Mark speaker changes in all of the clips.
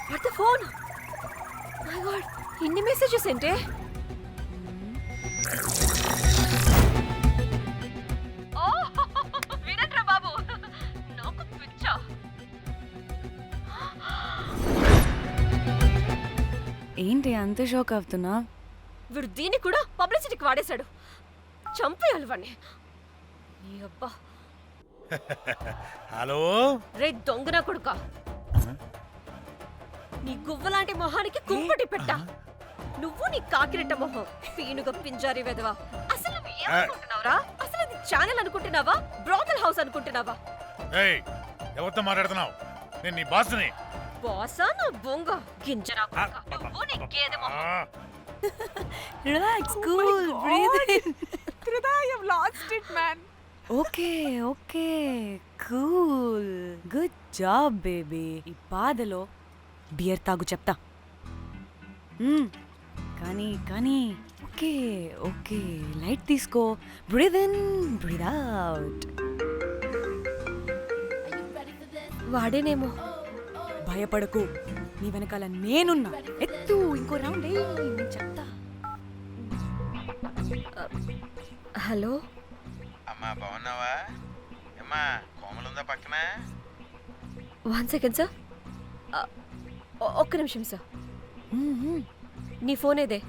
Speaker 1: What the phone? My god, ఇన్ని messages ఏంటే? వినట్రా బాబు, నాకు పిచ్చా.
Speaker 2: ఏంటి అంత షాక్ అవుతున్నా?
Speaker 1: వీడు దీన్ని కూడా పబ్లిసిటీకి వాడేశాడు. చంపేయాలి వాడిని. నీ అబ్బా.
Speaker 3: హలో
Speaker 1: రే దొంగన కొడుకా, నీ గువ్వలాంటి మొహానికి కుంపటి పెట్ట. నువ్వు నీ కాకిరెట్ట మొహం, పీనుగ పింజారి వెదవా. అసలు నువ్వు ఏమనుకుంటున్నావురా? అసలు ఇది ఛానల్ అనుకుంటున్నావా, బ్రోకల్ హౌస్ అనుకుంటున్నావా?
Speaker 3: ఏయ్, ఎవరితో మాట్లాడుతున్నావు? నేను నీ బాస్ని.
Speaker 1: బాసా నా బొంగ గింజరా కొడుకా. నువ్వు నీ గేదె మొహం.
Speaker 2: Relax, cool, breathe in.
Speaker 4: Krida, you've lost it, man.
Speaker 2: Okay okay, cool, good job baby. ఈ బాధలో బియర్ తాగు చెప్తా. కానీ కానీ ఓకే ఓకే, లైట్ తీసుకో. Breathe in, breathe out.
Speaker 1: వాడేనేమో.
Speaker 2: భయపడకు, నీ వెనకాల నేనున్నా. ఎత్తు, ఇంకో రౌండ్ నేను చెప్తా.
Speaker 1: హలో
Speaker 5: అమ్మా, బాగున్నావా? అమ్మా, కోమలుందా పక్కన?
Speaker 1: 1 సెకండ్ సార్. ఒక్క నిమిషం సార్. నీ ఫోన్ ఏదే?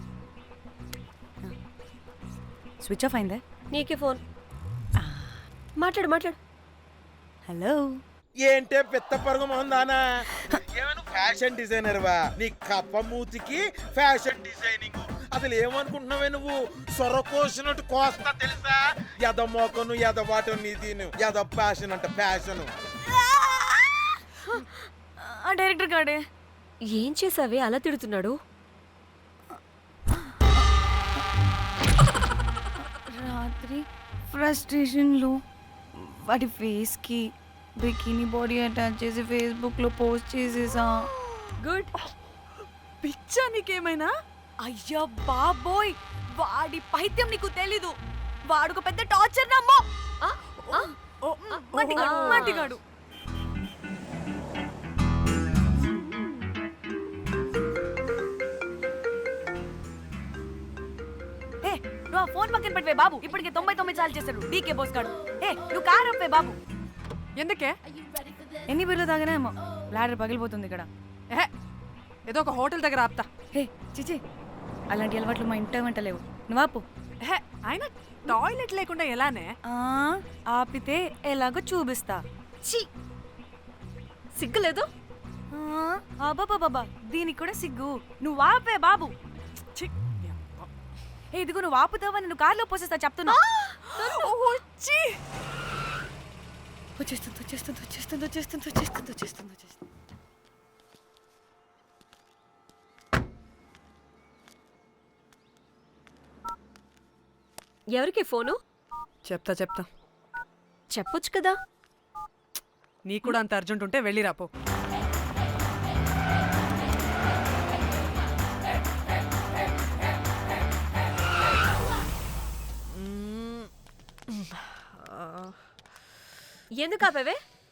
Speaker 2: స్విచ్ ఆఫ్ అయిందే.
Speaker 1: నీకే ఫోన్. మాట్లాడు మాట్లాడు.
Speaker 2: హలో.
Speaker 5: ఏంటే పెద్ద పరుగు మొహందానా? ఏమైనా ఫ్యాషన్ డిజైనర్ వా? నీ కప్ప మూతికి ఫ్యాషన్ డిజైనింగ్. అసలు ఏమనుకుంటున్నావే నువ్వు? సొరకోసినట్టు కోస్తా తెలుసా? ఎద మోకను ఎద వాటను నీ దీని ఎద ఫ్యాషన్ అంట ఫ్యాషన్.
Speaker 2: ఆ డైరెక్టర్ గాడే
Speaker 1: ఏం చేసావే అలా తిడుతున్నాడు?
Speaker 2: రాత్రి ఫ్రస్ట్రేషన్లో వాడి ఫేస్కి బికినీ బాడీ అటాచ్ చేసి ఫేస్బుక్లో పోస్ట్ చేసేసా.
Speaker 1: గుడ్.
Speaker 4: పిచ్చా నీకేమైనా?
Speaker 2: అయ్యా బాబోయ్, వాడి పైత్యం నీకు తెలీదు. వాడుకు పెద్ద టార్చర్ నమ్మో. మట్టిగాడు. నువ్వు ఆ ఫోన్ పక్కన పెట్టవే బాబు. ఇప్పటికే 99 సార్లు చేశాడు డీకే బోస్ గాడు. నువ్వు కారు అప్పే బాబు.
Speaker 4: ఎందుకే?
Speaker 2: ఎన్ని బిర్లు తాగినాయేమో, లాడర్ పగిలిపోతుంది ఇక్కడ.
Speaker 4: ఏదో ఒక హోటల్ దగ్గర ఆపుతా.
Speaker 2: చిచి, అలాంటి అలవాట్లు మా ఇంట వెంట లేవు. నువ్వు ఆపు.
Speaker 4: ఆయన టాయిలెట్ లేకుండా ఎలానే?
Speaker 2: ఆపితే ఎలాగో చూపిస్తా.
Speaker 1: ఛీ, సిగ్గులేదు?
Speaker 2: బాబా, దీనికి కూడా సిగ్గు. నువ్వు ఆపే బాబు. ఇదిగో నువ్వు ఆపుతావా, నేను కార్లో పోసేస్తా చెప్తున్నా. వచ్చేస్తుంది.
Speaker 1: ఎవరికి ఫోను?
Speaker 4: చెప్తా
Speaker 1: చెప్పొచ్చు కదా.
Speaker 4: నీకు కూడా అంత అర్జెంట్ ఉంటే వెళ్ళి రాపో.
Speaker 1: ఎందుకు ఆపేవే?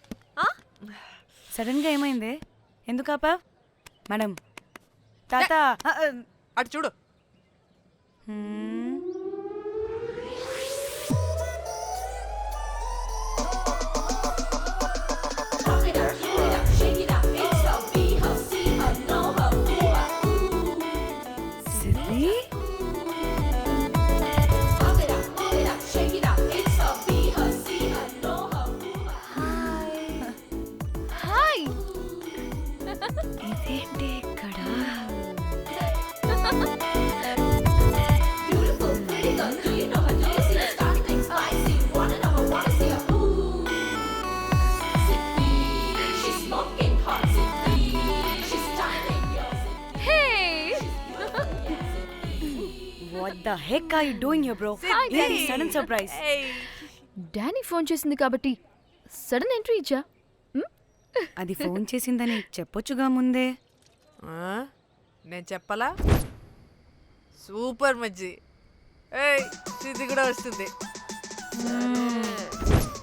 Speaker 2: సడన్ గా ఏమైంది? ఎందుకు ఆపా? మేడం, తాత
Speaker 4: అటు చూడు.
Speaker 2: ఇదేంటి ఇక్కడ? What the heck are you doing here, bro? This is sudden surprise.
Speaker 6: Danny phone చేసింది కాబట్టి సడన్ ఎంట్రీ ఇచ్చా.
Speaker 2: అది ఫోన్ చేసిందని చెప్పొచ్చుగా ముందే.
Speaker 4: నేను చెప్పలా? సూపర్ మజ్జి. ఇది కూడా వస్తుంది.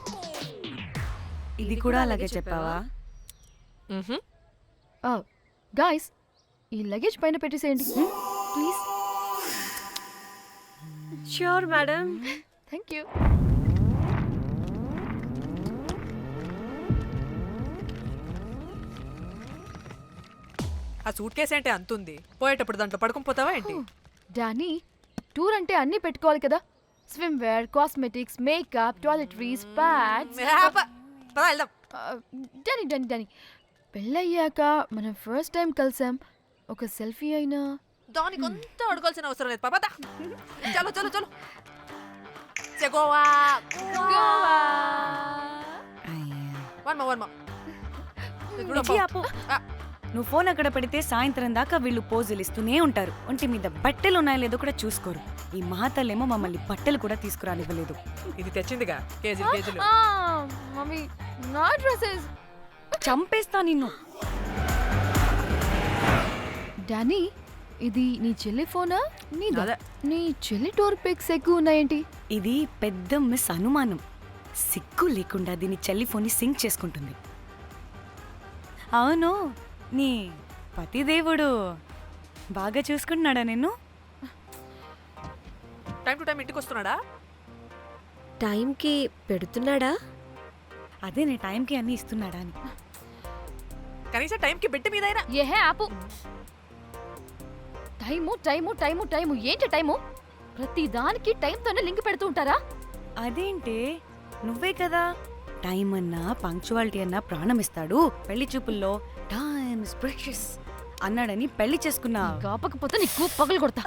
Speaker 2: ఇది కూడా అలాగే చెప్పావా?
Speaker 6: గాయస్ ఈ లగేజ్ పైన పెట్టేసేయండి please.
Speaker 1: Sure madam.
Speaker 6: Thank you.
Speaker 4: ఆ సూట్ కేసు ఏంటి అంతుంది, పోయేటప్పుడు దాంట్లో పడుకుని పోతావా ఏంటి?
Speaker 6: డానీ టూర్ అంటే అన్నీ పెట్టుకోవాలి కదా. Swimwear, cosmetics, makeup, toiletries, pads.
Speaker 4: పద వెళ్దాం.
Speaker 6: డానీ డానీ డానీ పెళ్ళయ్యాక మనం ఫస్ట్ టైం కలిసాం. ఒక సెల్ఫీ అయినా.
Speaker 4: దానికి అంత అడగాల్సిన అవసరం లేదు పాపా. చలో చలో చలో. గోవా వర్మ
Speaker 2: ఇచ్చి ఆపు. నువ్వు ఫోన్ అక్కడ పెడితే సాయంత్రం దాకా వీళ్ళు పోజులు ఇస్తూనే ఉంటారు. ఒంటి మీద బట్టలు ఉన్నాయో లేదో కూడా చూసుకోరు. ఈ మహాతల్లేమో మమ్మల్ని బట్టలు కూడా తీసుకురానివ్వలేదు.
Speaker 4: ఇది తెచ్చిందిగా కేజీలు కేజీలు.
Speaker 6: మమ్మీ నా డ్రెస్సెస్.
Speaker 2: చంపేస్తా నిన్ను.
Speaker 6: డానీ ఇది నీ చెల్లి ఫోనా నీదా?
Speaker 4: అదే.
Speaker 6: నీ చెల్లి టూర్ పిక్స్ ఎక్కువ ఉన్నాయేంటి?
Speaker 2: ఇది పెద్ద మిస్ అనుమానం. సిగ్గు లేకుండా దీని చెల్లి ఫోన్ని సింక్ చేసుకుంటుంది. అవును, నీ పతిదేవుడు బాగా చూసుకుంటున్నాడా నిన్ను?
Speaker 4: టైం టు టైం ఇంటికి వస్తున్నాడా?
Speaker 1: టైంకి పెడుతున్నాడా?
Speaker 2: అదే నీ టైంకి అన్నీ ఇస్తున్నాడా అని.
Speaker 4: కనీసం టైంకి బిడ్డ మీదైనా.
Speaker 6: ఏహే ఆపు. టైము టైము టైము టైము ఏంటి టైము? ప్రతి దానికి టైంతోనే లింక్ పెడుతూ ఉంటారా?
Speaker 2: అదేంటే నువ్వే కదా టైం అన్నా పంక్చువాలిటీ అన్నా ప్రాణం ఇస్తాడు, పెళ్లి చూపుల్లో టైమ్ ఇస్ ప్రెషియస్ అన్నాడని పెళ్లి చేసుకున్నా.
Speaker 6: కాపకపోతే నీకు పగలు కొడతా.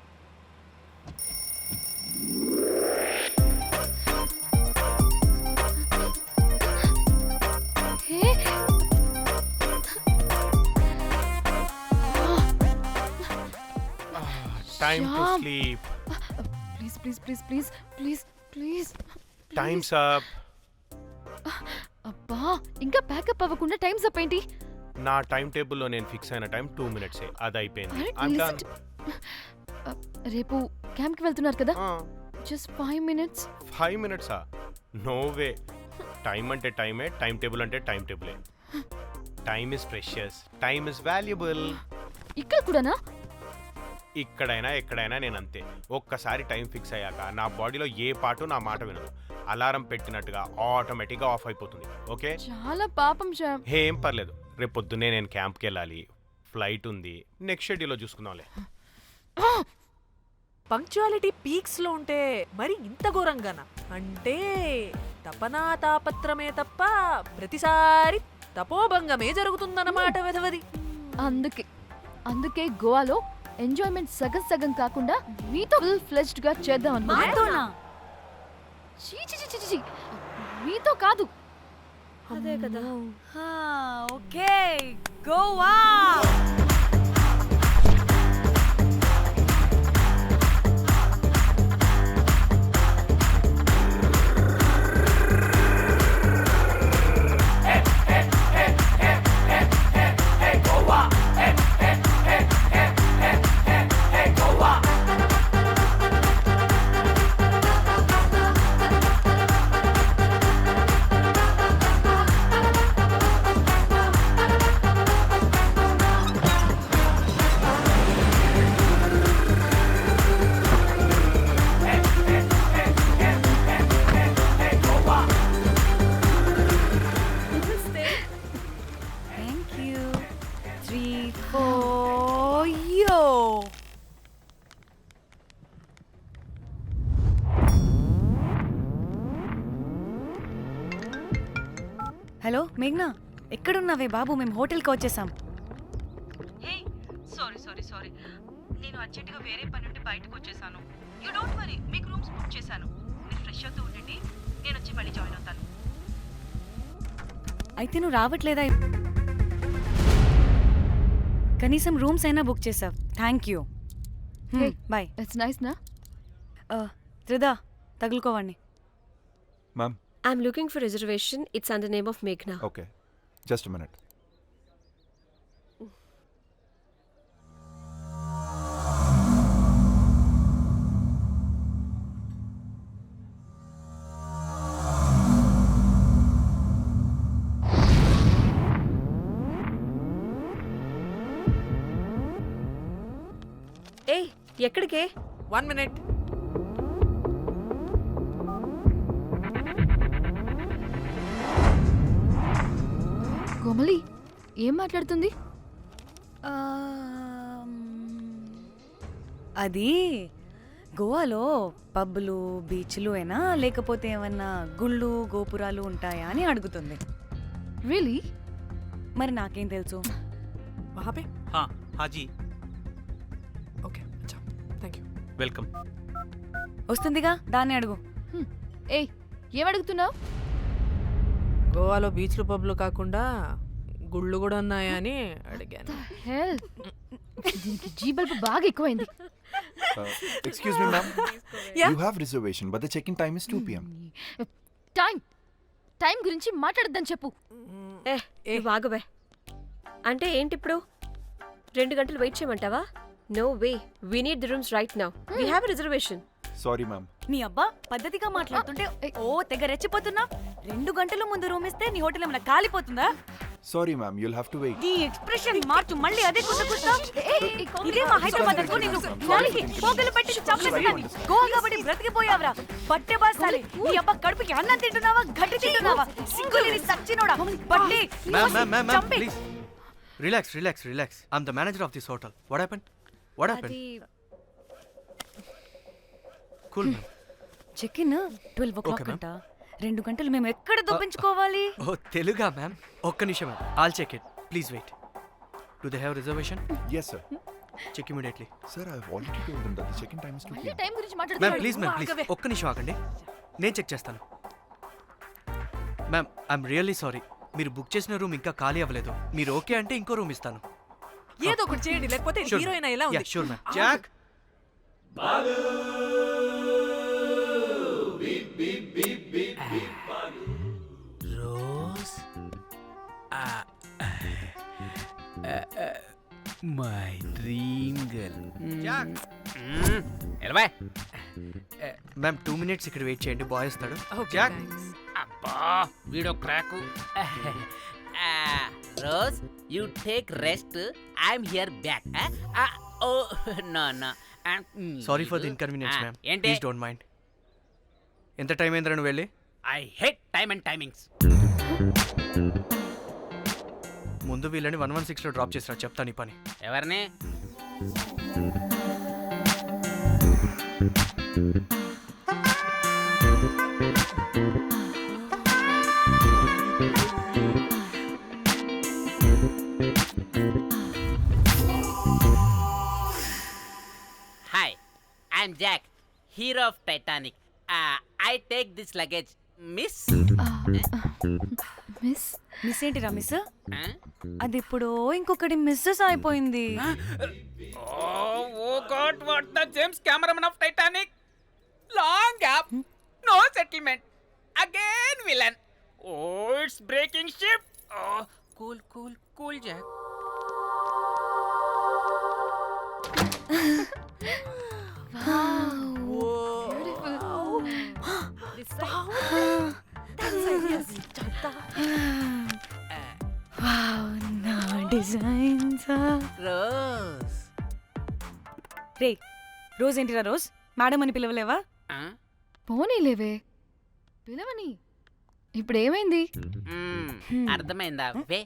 Speaker 7: Time to
Speaker 6: Shyam.
Speaker 7: sleep.
Speaker 6: Please please please please please please.
Speaker 7: Time's up.
Speaker 6: అబ్బా ఇంకా ప్యాకప్ అవ్వకుండా టైమ్స్ అప్ ఏంటి?
Speaker 7: నా టైం టేబుల్లో నేను ఫిక్స్ అయిన టైం 2 minutes అది అయిపోయింది.
Speaker 6: Alright,
Speaker 7: I'm
Speaker 6: listen
Speaker 7: done.
Speaker 6: రేపు క్యాంప్కి వెళ్తున్నారు కదా, just 5 minutes.
Speaker 7: 5 minutes no way. Time అంటే టైమే, టైం టేబుల్ అంటే టైం టేబులే. Time is precious, time is valuable.
Speaker 6: ఇక్కడ కూడానా?
Speaker 7: ఇక్కడైనా ఎక్కడైనా నేను అంతే. ఒక్కసారి టైం ఫిక్స్ అయ్యాక నా బాడీలో ఏ పాటు నా మాట వినదు. అలారం పెట్టినట్టుగా ఆటోమేటిక్గా ఆఫ్ అయిపోతుంది. ఓకే,
Speaker 6: చాలా పాపం శ్యామ్.
Speaker 7: ఏం పర్లేదు. రేపు పొద్దున్నే నేను క్యాంప్కి వెళ్ళాలి, ఫ్లైట్ ఉంది. నెక్స్ట్ షెడ్యూల్లో చూసుకుందాంలే.
Speaker 4: పంక్చువాలిటీ పీక్స్ లో ఉంటే మరి ఇంత ఘోరంగానా? అంటే తపనా తాపత్రమే తప్ప ప్రతిసారి తపోభంగమే జరుగుతుందన్నమాట వెధవది.
Speaker 6: అందుకే గోవాలో ఎంజాయ్మెంట్ సగం సగం కాకుండా మీతో ఫుల్ ఫ్లెజ్డ్ గా చేద్దాం అనుకున్నా.
Speaker 2: మాతోనా?
Speaker 6: చీ చీ చీ చీ చీ. మీతో కాదు.
Speaker 1: అదే కదా.
Speaker 2: Okay, Goa. Thank you. 3, 4, yo. Hello మేఘ్నా, ఎక్కడున్నావే బాబు? మేము హోటల్కి వచ్చేసాం.
Speaker 8: సారీ నేను అర్జెంటుగా వేరే పని నుండి బయటకు వచ్చేసాను. యూ డోంట్ వరీ, మీకు రూమ్స్ బుక్ చేశాను. మీరు ఫ్రెష్ అవుతూ ఉండండి, నేను వచ్చి మళ్ళీ జాయిన్ అవుతాను.
Speaker 2: అయితే నువ్వు రావట్లేదా? కనీసం రూమ్స్ అయినా బుక్ చేసావు. Thank you.
Speaker 6: Hey.
Speaker 2: Bye.
Speaker 6: It's nice నా?
Speaker 2: Trida, తగులుకోవండి.
Speaker 9: Ma'am,
Speaker 1: I'm looking for reservation. It's under name of Meghna.
Speaker 9: okay. Just a minute.
Speaker 1: ఏయ్ ఎక్కడికే?
Speaker 4: 1 minute.
Speaker 6: కోమలి ఏం మాట్లాడుతుంది?
Speaker 2: అది గోవాలో పబ్బులు బీచ్లు అయినా లేకపోతే ఏమన్నా గుళ్ళు గోపురాలు ఉంటాయా అని అడుగుతుంది.
Speaker 6: రియలీ?
Speaker 2: మరి నాకేం తెలుసు?
Speaker 4: वहाँ पे?
Speaker 10: हाँ हाँ जी
Speaker 4: Okay, अच्छा. Thank you.
Speaker 10: वेलकम.
Speaker 2: వస్తుందిగా, దాన్ని అడుగు.
Speaker 6: ఏయ్ ఏం అడుగుతున్నావు?
Speaker 4: గోవాలో బీచ్లు పబ్లు కాకుండా గుళ్ళు కూడా ఉన్నాయా అని అడిగాను.
Speaker 6: హెల్ దీనికి జీ బల్బ్ బాగా ఎక్కువైంది.
Speaker 9: Excuse me, ma'am.
Speaker 4: Yeah?
Speaker 9: You have reservation, but the check-in time is 2 p.m.
Speaker 6: Time గురించి మాట్లాడద్దని చెప్పు.
Speaker 1: నువ్వు ఆగువే. అంటే ఏంటి ఇప్పుడు 2 గంటలు వెయిట్ చేయమంటావా? No way, we need the rooms right now. We have reservation.
Speaker 9: Sorry, ma'am.
Speaker 2: నీ అబ్బా పద్ధతిగా మాట్లాడుతుంటే ఓ తెగ రెచ్చిపోతున్నా. 2 గంటల ముందు రూమ్ ఇస్తే నీ హోటల్ ఏమైనా కాలిపోతుందా?
Speaker 9: Sorry, ma'am. You'll have to wait.
Speaker 2: నీ ఎక్స్ప్రెషన్ మార్చు, మళ్ళీ అదే కుట్టుకుంటా. ఇదే మా హైదరాబాద్ అనుకో, నేను నాలికి పోగలు పెట్టి చంపేస్తాను. గోవా కాబట్టి బ్రతికిపోయావరా బట్టే బాసాలి. నీ అబ్బా కడుపుకి అన్నం తింటున్నావా, గడ్డి తింటున్నావా? సిగ్గులేని సచ్చినోడా బట్టే.
Speaker 10: Ma'am,
Speaker 2: చంపే.
Speaker 10: please. Relax. I'm the manager of this hotel. What happened?
Speaker 1: అది
Speaker 10: Cool, ma'am.
Speaker 2: Check in 12 o'clock
Speaker 10: Okay, ma'am.
Speaker 2: అంట. 2 గంటలు మేము ఎక్కడ దొప్పించుకోవాలి?
Speaker 10: Oh, Teluga, ma'am. ఒక్క నిమిషం, ma'am. I'll check it. Please wait. Do they have reservation?
Speaker 9: Yes, sir.
Speaker 10: Check immediately.
Speaker 9: Sir, I've already told them that the check-in time is 2 p.m.
Speaker 6: Time గురించి
Speaker 10: ma'am
Speaker 6: మాట్లాడుతున్నాడు.
Speaker 10: Please ఒక్క నిమిషం ఆగండి, నేను check చేస్తాను. Ma'am I'm really sorry, మీరు book చేసిన room ఇంకా ఖాళీ అవ్వలేదు. మీరు ఓకే అంటే ఇంకో రూమ్ ఇస్తాను.
Speaker 4: ఏదో ఒకటి చేయండి, లేకపోతే హీరోయిన్ ఎలా ఉంది?
Speaker 10: Sure ma'am. Jack
Speaker 11: Rose my dream girl.
Speaker 10: Jack
Speaker 11: ఎలవా
Speaker 10: మ్యామ్ 2 minutes ఇక్కడ వెయిట్ చేయండి, బాయ్ వస్తాడు.
Speaker 4: Okay,
Speaker 10: Jack
Speaker 4: thanks.
Speaker 11: అబ్బా వీడో crack. Rose you take rest, I'm here back. Oh no no.
Speaker 10: Sorry for the inconvenience ma'am,
Speaker 11: ఏంటి?
Speaker 10: Please don't mind. ఎంత time అయిందిరా నువ్వు వెళ్ళి?
Speaker 11: I hate time and timings.
Speaker 10: ముందు వీళ్ళని 116లో డ్రాప్ చేసినా, చెప్తాను ఈ పని.
Speaker 11: ఎవరిని? Hi, I'm Jack, hero of Titanic. I take this luggage miss.
Speaker 6: Miss
Speaker 2: miss ఏంటిరా మిస్? అది ఇప్పుడు ఇంకొకటి మిస్సెస్ అయిపోయింది.
Speaker 11: Oh God, what the James Cameron of Titanic? Long gap, no settlement. Again villain. Oh, it's breaking ship. Oh, cool, Jack.
Speaker 2: నా designs.
Speaker 11: Rose.
Speaker 2: రే Rose ఏంటిరా Rose? Madam అని పిలవలేవా?
Speaker 6: పోనీలేవే పిలవని. ఇప్పుడు ఏమైంది?
Speaker 11: అర్థమైందా? వే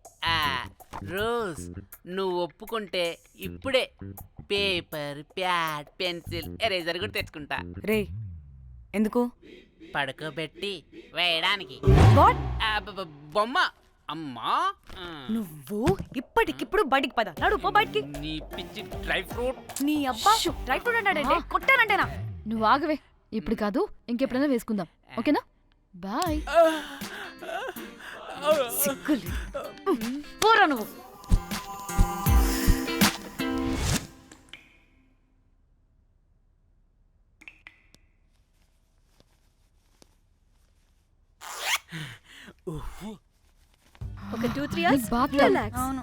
Speaker 11: రోజ్, నువ్వు ఒప్పుకుంటే ఇప్పుడే పేపర్, ప్యాడ్, పెన్సిల్, ఎరేజర్ కూడా తెచ్చుకుంటా.
Speaker 2: రే ఎందుకు?
Speaker 11: పడుకోబెట్టి వేయడానికి.
Speaker 2: వాట్?
Speaker 11: బొమ్మ. అమ్మా,
Speaker 2: నువ్వు ఇప్పటికిప్పుడు బయటికి పద. నడు పో బయటికి.
Speaker 11: నీ పిచ్చి డ్రై ఫ్రూట్.
Speaker 2: నీ అబ్బా డ్రై ఫ్రూట్ అంటాడంటే కొట్టానంటేనా?
Speaker 6: నువ్వు ఆగవే, ఇప్పుడు కాదు ఇంకెప్పుడైనా వేసుకుందాం, ఓకేనా? బాయ్.
Speaker 2: సిగ్గులు పోరా నువ్వు.
Speaker 1: ఒక 2-3 hours
Speaker 6: బాగా
Speaker 1: రిలాక్స్.
Speaker 2: అవును.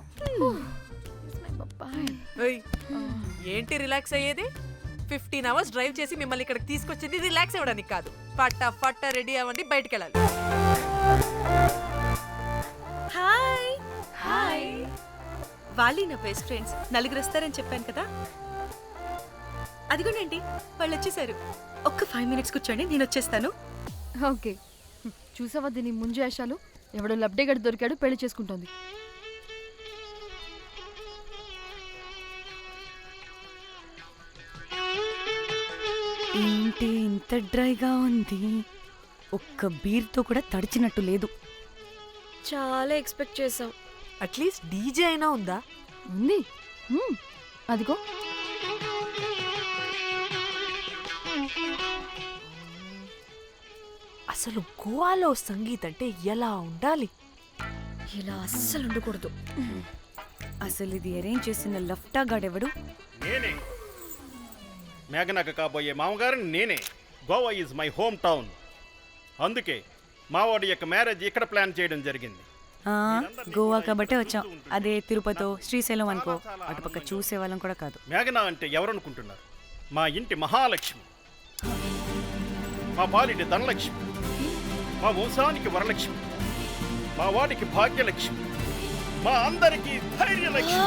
Speaker 4: ఏయ్, ఏంటి రిలాక్స్ అయ్యేది? 15 hours డ్రైవ్ చేసి మిమ్మల్ని ఇక్కడికి తీసుకొచ్చింది రిలాక్స్ అవ్వడానికి కాదు. ఫట్ట రెడీ అవ్వండి, బయటికి వెళ్ళాలి.
Speaker 1: హాయ్. వాళ్ళీ నా బెస్ట్ ఫ్రెండ్స్. 4 వస్తారని చెప్పాను కదా.
Speaker 8: అదిగోనండి వాళ్ళు వచ్చేసారు. ఒక్క 5 minutes కూర్చోండి, నేను వచ్చేస్తాను.
Speaker 6: ఓకే, చూసావా దీని ముంజేషాలు? ఎవడో లబ్డేగడ్ దొరికాడు, పెళ్లి చేసుకుంటోంది.
Speaker 2: ఏంటి ఇంత డ్రైగా ఉంది? ఒక్క బీర్తో కూడా తడిచినట్టు లేదు.
Speaker 1: చాలా ఎక్స్పెక్ట్ చేసాం.
Speaker 4: అట్లీస్ట్ డీజే అయినా ఉందా?
Speaker 6: ఉంది. అదిగో.
Speaker 4: అసలు గోవాలో సంగీత్ అంటే ఎలా ఉండాలి?
Speaker 1: ఇలా అస్సలు ఉండకూడదు.
Speaker 2: అసలు ఇది అరేంజ్ చేసిన లఫ్టా గాడెవడు?
Speaker 12: నేనే మేఘనకు కాబోయే మామగారు నేనే. Goa is my home town. అందుకే మావాడి యొక్క మ్యారేజ్ ఇక్కడ ప్లాన్ చేయడం జరిగింది.
Speaker 2: గోవా కాబట్టే వచ్చాం. అదే తిరుపతి శ్రీశైలం అనుకో, అటుపక్క చూసే వాళ్ళం కూడా కాదు.
Speaker 12: మేఘన అంటే ఎవరనుకుంటున్నారు? మా ఇంటి మహాలక్ష్మి, మా పాలిటి ధనలక్ష్మి, మా వంశానికి వరలక్ష్మి, మా వాడికి భాగ్యలక్ష్మి, మా అందరికీ ధైర్యలక్ష్మి.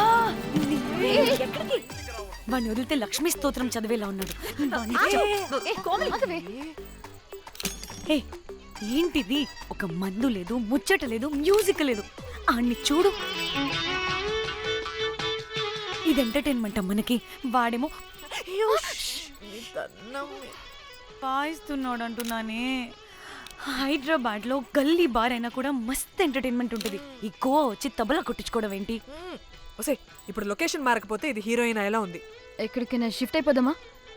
Speaker 2: వాడిని వదిలితే లక్ష్మీ స్తోత్రం చదివేలా ఉన్నాడు. ఏంటిది? ఒక మందు లేదు, ముచ్చట లేదు, మ్యూజిక్ లేదు. ఆడిని చూడు. ఇది ఎంటర్టైన్మెంట్ మనకి. వాడేమో పాయిస్తున్నాడు అంటున్నానే. హైదరాబాద్ లో గల్లీ బార్ అయినా కూడా మస్త్ ఎంటర్టైన్మెంట్ ఉంటుంది. ఈ గోవా వచ్చి తబలా కొట్టించుకోవడం ఏంటి?
Speaker 4: ఒసే, ఇప్పుడు లొకేషన్ మారకపోతే ఇది హీరోయిన్ ఎలా ఉంది?
Speaker 6: ఎక్కడికైనా షిఫ్ట్ అయిపోదామా?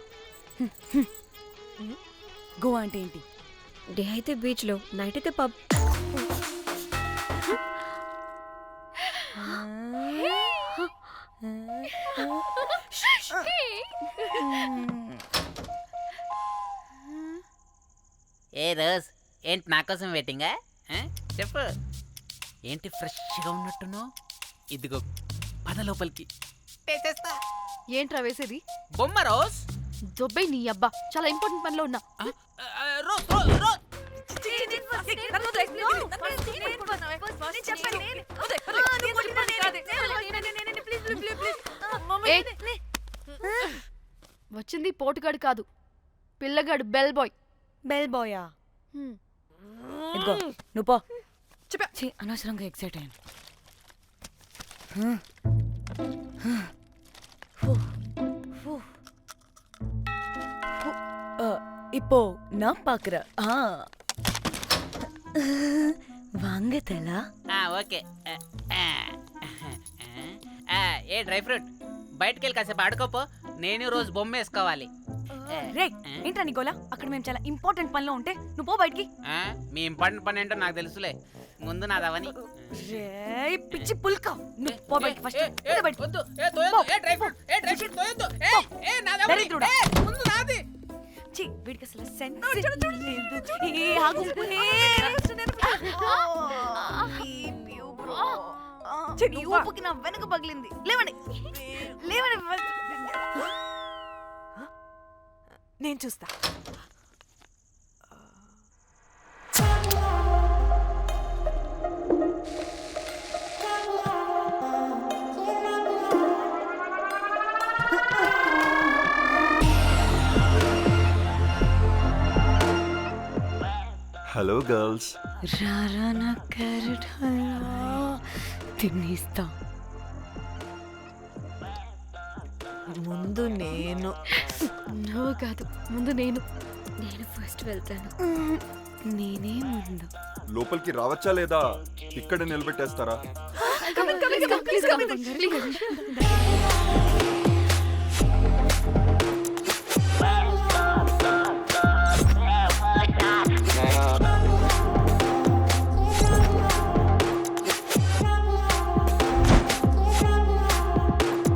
Speaker 2: గోవా అంటే ఏంటి?
Speaker 1: డే అయితే బీచ్ లో, నైట్ అయితే పబ్.
Speaker 11: ఏ రోజ్, ఏంటి నా కోసం వెయిటింగా? చెప్పు, ఏంటి ఫ్రెష్గా ఉన్నట్టున్నావు? ఇదిగో పద లోపలికి.
Speaker 6: ఏంట్రా వేసేది?
Speaker 11: బొమ్మ రోజ్.
Speaker 6: దొబ్బై నీ అబ్బా, చాలా ఇంపార్టెంట్ పనిలో ఉన్నా.
Speaker 11: రోజ్ రోజ్ రోజ్.
Speaker 6: వచ్చింది పోటుగాడు కాదు, పిల్లగాడు బెల్ బాయ్.
Speaker 2: బెల్ బాయా? ఇదిగో నువ్వు పో. అనవసరంగా ఎక్సైట్ అయ్యాను. இப்போ நான் பாக்குறேன். வாங்க தலா.
Speaker 11: ఓకే. ఏ డ్రై ఫ్రూట్, బయటకు వెళ్ళి కాసేపు ఆడుకోపో. నేను రోజు బొమ్మ వేసుకోవాలి.
Speaker 2: రే ఏంట్రా నికోలా, అక్కడ మేము చాలా ఇంపార్టెంట్ పనిలో ఉంటే నువ్వు పో బయటికి.
Speaker 11: మీ ఇంపార్టెంట్ పని ఏంటో నాకు తెలుసులే, ముందు నాదవని.
Speaker 2: రే పిచ్చి పుల్క, నువ్వు పో బయటికి ఫస్ట్. వీడికి అసలు సెన్స్ లేదు. ఏ ఆగు. నీ ఊపుకి నా వెనక పగిలింది. లేవండి లేవండి.
Speaker 4: నేను చూస్తా.
Speaker 9: Hello girls.
Speaker 2: రారా నా క్యారెట్ హల్వా తినేస్తా.
Speaker 4: ముందు నేను.
Speaker 6: నువ్వు కాదు, ముందు నేను.
Speaker 1: నేను ఫస్ట్ వెళ్తాను.
Speaker 2: నేనే ముందు.
Speaker 9: లోపలికి రావచ్చా లేదా ఇక్కడ నిలబెట్టేస్తారా?
Speaker 6: Please come.